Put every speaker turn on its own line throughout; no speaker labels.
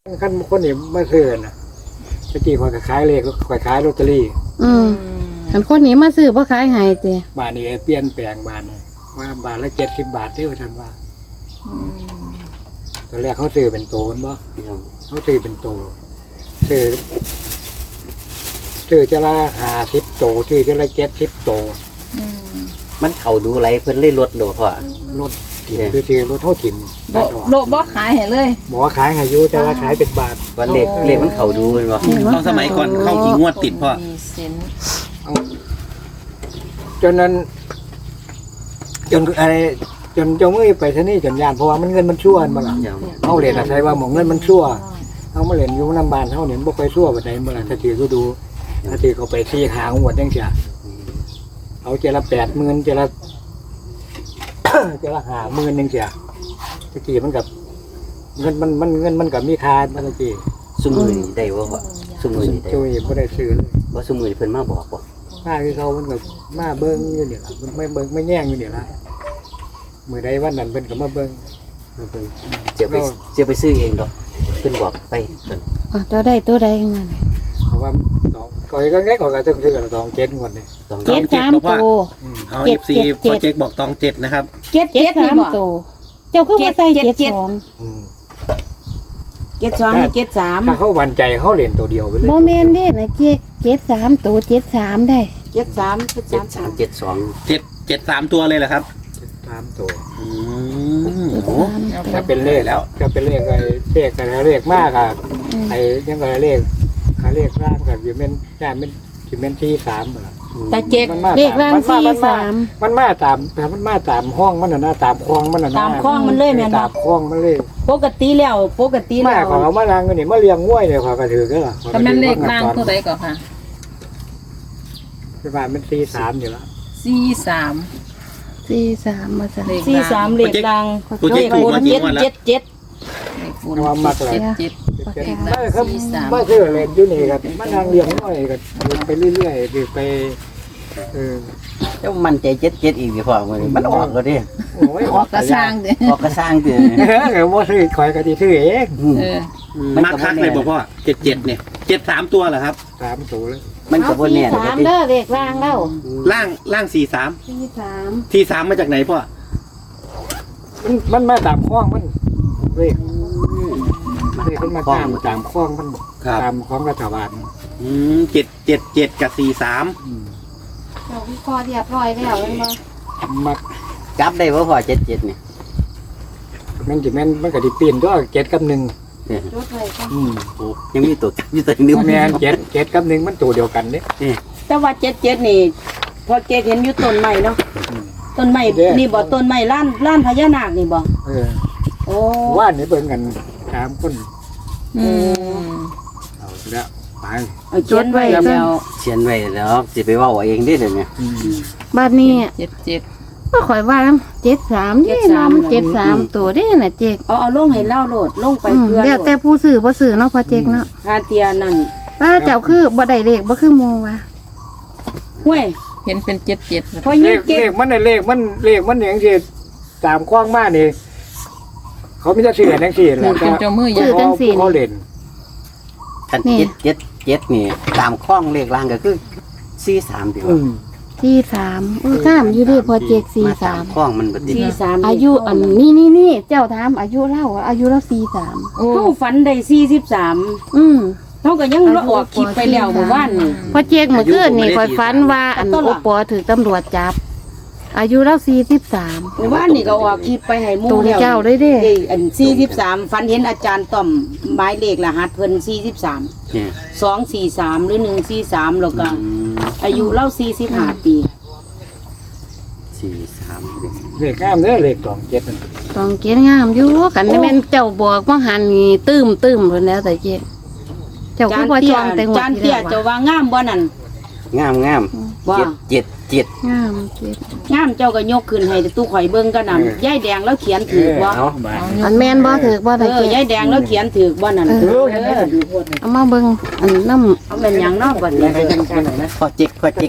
ขั้นคนนี่มาซื้อนะตะกี้คอยขายเลขคอยขายลอตเตอรี่
อันคนนี้มาซื้อบ่ขายให้ติ
บาทนี้เปลี่ยนแปลงบาทนี่ว่าบาทละ70 บาทที่ว่าท่านว่าตอนแรกเขาซื้อเป็นโตนบ่เขาซื้อเป็นโตซื้อจะละ50 โตซื้อจะละ70 โต
มันเข้าดูไรเพิ่นเลยลดโดพ่อ
รถถิ่มคือรถเท่าถิ่ม
บ่ขายให้เลย
บอกว่าขายให้อยู่แต่ว่าขายเป็นบาท
วันเลขมันเข้าดูเป็นบ่
เข้าสมัยก่อนเข้ากี่งวดติดพ่อ
มีเซนส์
จนนั้นจนอะไรจนเจ้ามือไปที่นี่จนยานเพราะว่ามันเงินมันชั่วมาละเขาเรียนอะไรว่าหมองเงินมันชั่วเขามาเรียนอยู่น้ำบานเขาเนี่ยบ่ค่อยชั่วแบบไหนเมื่อไหร่ถ้าทีก็ดูถ้าทีเขาไปที่หางวดยังเสียเอาเจละ80,000เจละ เจละ50,000ยังเสียตะกี้มันกับเงินมันกับมีค่าตะกี้
ซุมื้อนี้ได้บ่พ่อซุมื้อนี้ได้
ช่วยไม่ได้ซื้อเลย
บ่ซุมื้อนี้เพิ่นมาบอกบ่
มาคือเขามันกับมาเบิ้งอยู่เนี่ยละมันไม่เบิ้งไม่แย่งอยู่เนี่ยละเมื่อใดวันนั้นเป็นก็มาเบิ้ง
เพิ่นจะไปซื้อเองดอกเพิ่นบอกไปเพิ่น
ตัวได้ตัวใดนั่น
เพราะว่าก่อยก็แง่ก่อยก็ต้องซื้อกัน2 7งวดเนี่ย
ต้อง
เจ็ดสามตัว
เอา FC พอเจ๊กบอกตอง7นะครับ
เจ็ด
เจ็ด
นี่
สาม
บ่
ตัวเจ้าคือว่าใส่72
72ให้73
ถ้าเขาหวั่นใจเขาเล่นตัวเดียวไปเลย
บ่แม่นเด้นะ73ตัว73ได้
73
7372
7 3ตัวเลยเหรอครับ
3 ตัว
อืมโอ้โห
ถ้าเป็นเลขแล้วจะเป็นเลขอะไรเลขมากอะไอ้ยังไงเลขร่างกับยูเมนย่าเป็นยูเมนที่3เหรอ
แต่เจ็ด
เลขร่าง43
มันมาตามห้องมันน่ะนะตามคลองมันน่ะนะ
ตามคลองมันเลยแม่นบ่
ตามคลองมันเลย
ปกติแล้ว
มาของเรามาล้างกันนี่มาเลี้ยงง่วยเนี่ยขอกระถือก็ล่ะ
กำนันเลขล่างตัวใดก่อนค่ะ
ประมาณเป็น43อยู่แล้ว
43
43มาซะ
เลข43เลขล่าง
โปรเจกต์ถูกมากี่งวดแล้ว
77เลขบุญ
ว่ามักเลย
77เลขล่า
ไม่
ง
ครับไม่ซื้อเลยอยู่นี่ครับมานั่งเลี้ยงง่วยกันไปเรื่อยๆไป
แล้วมันใจ77อีกสิพ่อมื้อนี้มันออกแล้วเด้
โอ้ย
ออกกระสร้างเด้
ออกกระสร้างเด้
เออว่าซื้อคอยกันที่ซื้อเอง
เออ
มาคักเลยบอกพ่อ7 เนี่ย7 3ตัวเหรอครับ
3 ตัวเลย
มันก็บ่แน่ดอก
3เด้อเลขร่างแล้ว
ล่าง4 3
43
ที่3มาจากไหนพ่อ
มันมาตามคลองมันเลขมันมาตามคลองมันตามคลองรัฐบาล
7 กับ4 3
เราวิเคราะห์เรียบร้อยแล้วแม่นบ่
มัก
จับได้บ่พ่อ77นี่
มันจะมันก็ดิปีนตัว7 กับ 1
จดไว้ก่อน
โอ้ยังมีตัวจับอยู่ตัวนึง
แม่น7 กับ 1มันตัวเดียวกันเนี่ย
แต่ว่า77นี่พอเจ๊เห็นอยู่ต้นไม้เนาะต้นไม้นี่บ่ต้นไม้ล้านพญานาคนี่บ่ โอ้
ว่านี่เบิ่งกัน3 คน
อืม
เอาแล้วไป
เอาเขียนไว้แล้ว
เขียนไว้แล้วสิไปเว้าเอาเองเด้เดี๋ยวนี้
บัดนี้
77
ก็ข่อยว่า73นี่เนาะมัน73ตัวเด้น่ะเจ๊ก
เอาลงให้เล่าโลดลงไปเพื่อ
แล้วแต่ผู้ซื้อบ่ซื้อเนาะพอเจ๊กเนาะ
คาเตียนั่น
ป้าเจ้าคือบ่ได้เลขบ่คือหมู่ว่ะ
ห้วย
เห็นเป็น77
พอ
เล
ยิ่ง
ข
เก็บ
มันอย่างที่ตามคว้างมากนี่เขาไม่จะเสียจังซี่แหละ
เป็นเจ้ามือ
ซื้อจังซี่
เขาเล่น
คัน777นี่ตามข้องเลขล่างก็คือ43ติว่า
43งามอยู่เด้พอเจ๊ก
มาตามข้องมันบ่ติด
43
อายุอันนี่เจ้าถามอายุเล่าอายุเรา43
เฮาฝันได้43เฮาก็ยังออกคลิปไปแล้วเมื่อวานนี่
พอเจ๊กเมื่อคืนนี่ข่อยฝันว่าอันโอปอถูกตำรวจจับ อายุเรา43
เมื่อวานนี่ก็ออกคลิปไปให้หมู่
ตัว
แล้ว
เจ้าเลยเด้
อัน43ฝันเห็นอาจารย์ต้อมหมายเลขรหัสเพิ่น43
เนี่ย
243หรือ143แล้วก็อายุเล่า45ปี
43
เลขงามเด้อเลข27นั่น
ต้องเกียงามอยู่กันแม่นเจ้าบอกว่าหันนี่ตื้มเพิ่นแล้วแต่เจ๊กเจ้าคือบ่จองแต่งวด
จาน
ที่
เตี้ย
แล้ว
จะ
ว่ะ
ว่างามบ่นั่น
งาม
ว่า
777
งามเจ๊ก
งามเจ้าก็ยกขึ้นให้ตู้ข่อยเบิ่งกันนั่นยายแดงแล้วเขียนถูกบ่
เอาบาด
อันแม่นบ่ถูกบ่ได้เจ๊
ยายแดงแล้วเขียนถูกบ่นั่น
เอามาเบิ่งอันน้ำ
เอาเป็นหยังเนาะบัดนี้
พอจิก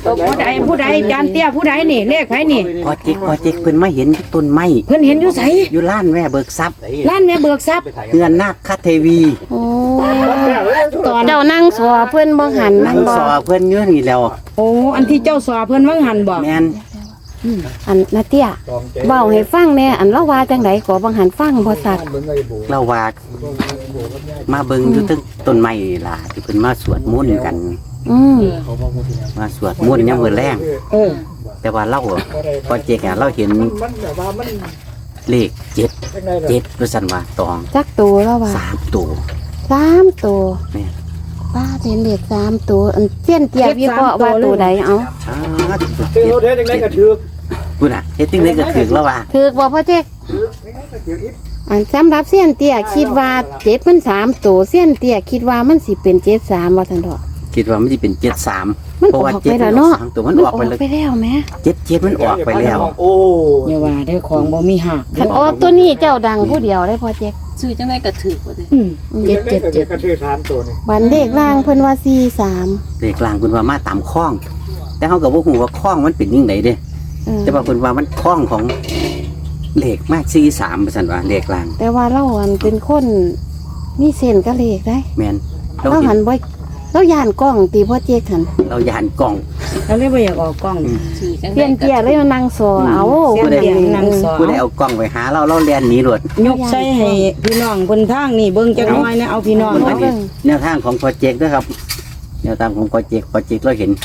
ผู้ใดจานเตี้ยผู้ใดนี่เลขไผนี่
พอเจ๊กเพิ่นมาเห็นต้นไม้
เพิ่นเห็นอยู่ไส
อยู่ร้านแม่เบิกทรัพย์
ร้านแม่เบิกทรัพย์
เฮือนนาคเทวี
โอ้ตอนเจ้านั่งสอเพิ่นบ่หัน
นั่ง
บ่
สอเพิ่นอยู่นี่แล้ว
โอ้อันที่เจ้าสอเพิ่นวังหันบ่
แม่น
อันนาเตี้ยเว้าให้ฟังแหน่อันเราว่าจังไดก็บ่หันฟังบ่สัตว์
เราว่ามาเบิ่งอยู่ตึกต้นไม้นี่ล่ะที่เพิ่นมาสวดมนต์กัน
อืม
มาสวดมนต์ยามมื้อแลง
เออ
แต่ว่าเราอะพอเจ๊กอะเราเห็นเลข7ว่าซั่นว่าตอง
จักตัวแล้วว่า
3ตัว
3ตัว
แม่น
ป้าเห็นเด็ก3ตัวอันเสี้ยนเตี้ยวิเคราะห์ว่าตัวใดเอา
ช้า
เจ้าเด้จังได๋ก็ถูก
พุ่นน่ะเฮ็ดจังได๋ก็ถึกแล้วว่า
ถูกบ่พ่อเจ๊กอันสำหรับเสี้ยนเตี้ยคิดว่า7มัน3ตัวเสี้ยนเตี้ยคิดว่ามันสิเป็น73ว่าซั่นดอก
คิดว่ามันสิเป็น73
มัน
เพราะ
อ
ว่า
อกไปแล้วเนาะ
3ตัวมันออกไปแล้ว
ไปแล้วแม่
7มันออกไปแล้ว
โอ้
อย่าว่าได้ของบ่มีหัก
คันออกตัวนี้เจ้าดังผู้เดียวได้พ่อเจ๊ก
ซื้อจังได๋ก็ถูกว่าติ
เจ็ดก็ถือ3ตัวนี่
บันเลขล่างเพิ่นว่า43
เลขกลางเพิ่นว่ามาตามคล้อง แต่เฮาก็บ่ฮู้ว่าคล้องมันเป็นจังไดเด้
เออ
แต่ว่าเพิ่นว่ามันคล้องของเลขมาก43ว่าซั่นว่าเลขกลาง
แต่ว่าเราอันเป็นคนมีเส้นกับเลขได้
แม่นเรา
เรา
เห็
หั
น
นบ่เราย่านกล้องตีพ่อเจ๊กหัน
เราย่านกล้อง
เราเลยบ่อยากออกกล้อง
ซื้อจัง
เปลี่
ได๋
ยน
ก็
เกียร์เลยมานั่งสอเอา
เสียงเตียงนั่งสอ
ผู้ใดเอากล้องไปหาเราเราแล่นหนีรวด
ยกใส่ให้พี่น้องเพิ่นทางนี่เบิ่งจักหน่อยนะเอาพี่น้อง
อันนี้แนวทางของโปรเจกต์นะครับแนวทางของโปรเจกต์เราเห็น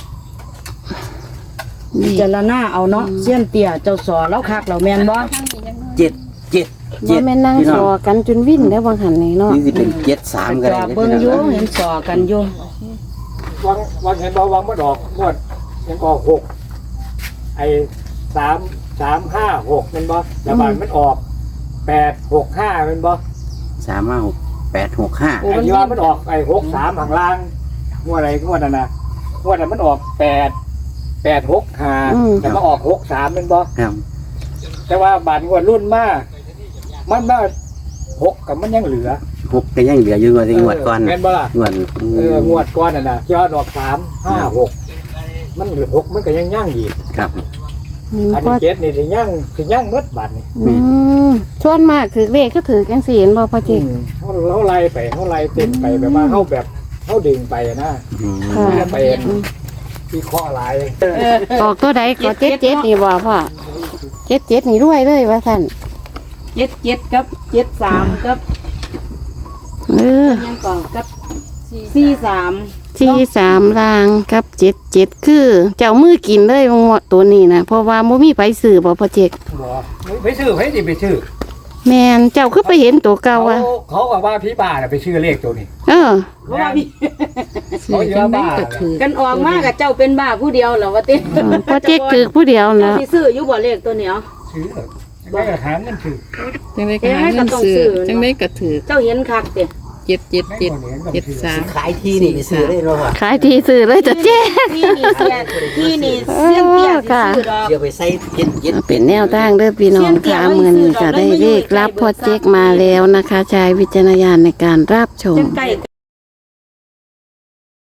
พิจารณาเอาเนาะเสี้ยนเตี้ยเจ้าสอแล้วคักแล้วแม่นบ่
บ่แม่นนั่ง
พี่
ส
น้
อ
อง
กันจนวิ่นแล้วบางหันนี่เนาะ
นี่สิเป็น73ก็
จ
ได้
อเบิ่งอยู่เห็นสอกันอยู่
วังเห็นบ่วังบ่ดอกงวดยังก็6ไอ้3 5 6มันบ่แล้วบาดมันออก8 6 5มันบ่
356
ไอ้ที่ว่ามันออกไอ้63ข้างล่างงวดอะไรงวดนั้นน่ะงวดนั้นมันออก8 6 5แต่มาออก63มันบ่
ครับ
แต่ว่าบาดงวดรุ่นมามันมา6กับมันยังเหลือ
6ก็ยังเหลืออยู่งวดก่อน
แม่นบ่ล่ะ
งวด
งวดก่อนน่ะนะยอดออก3 5 6มันเหลือ6มันก็ยังย่างอีก
ครับ
อันนี้7นี่สิย่างหมดบาดนี่
ส่วนมากถือเลขก็ถือจังซี่เห็นบ่พ่อเจ๊ก
เขาไล่ไปเขาไล่เต็มไปแบบว่าเขาแบบเขาดึงไปอะนะ
ค่ะ
ไปวิเคราะห์หลาย
ออกตัวใดก็77นี่บ่พ่อ77นี่รวยเลยว่าซั่น
77กับ73กับ
เออ
ยังก่อนกับ43
43ล่างกับ77คือเจ้ามือกินเลยงวดตัวนี้นะเพราะว่าบ่มีไผซื้อบ่พ่อเจ๊ก
บอกไปซื้อไปสิไปซื้อ
แม่นเจ้าคือไปเห็นตัวเก่า
เขา
อ่ะ
เขาบอกว่าพี่บ้าน่ะไปซื้อเลขตัวนี้
เออ
เพราะว่าพี่
ซื้อจังได๋ก็ถูก
กันออกมากับเจ้าเป็นบ้าผู้เดียวเหรอวะติ
พ่อเจ๊กถือผู้เดียว
เจ้า
นะ
สิซื้ออยู่บ่เลขตัวเนี้ย
ซื้อไม่กระถางเงินซื้อ
จังได๋ก็หาเงินซื้อจังได๋ก็ถูก
เจ้าเห็นคักติ
777 73
ขายที่นี่ไปซื้อได้เนาะ
ขายทีซื้อเลยจ้ะเจ๊
ที่นี่เสียที่นี่เสียงเตี้ยสิซื้อดอก
เดี๋ยวไปใส่7
เป็นแนวทางเด้อพี่น้องค่ะมื้อนี้ก็ได้เลขรับพ่อเจ๊กมาแล้วนะคะใช้วิจารณญาณในการรับชม
จังไก่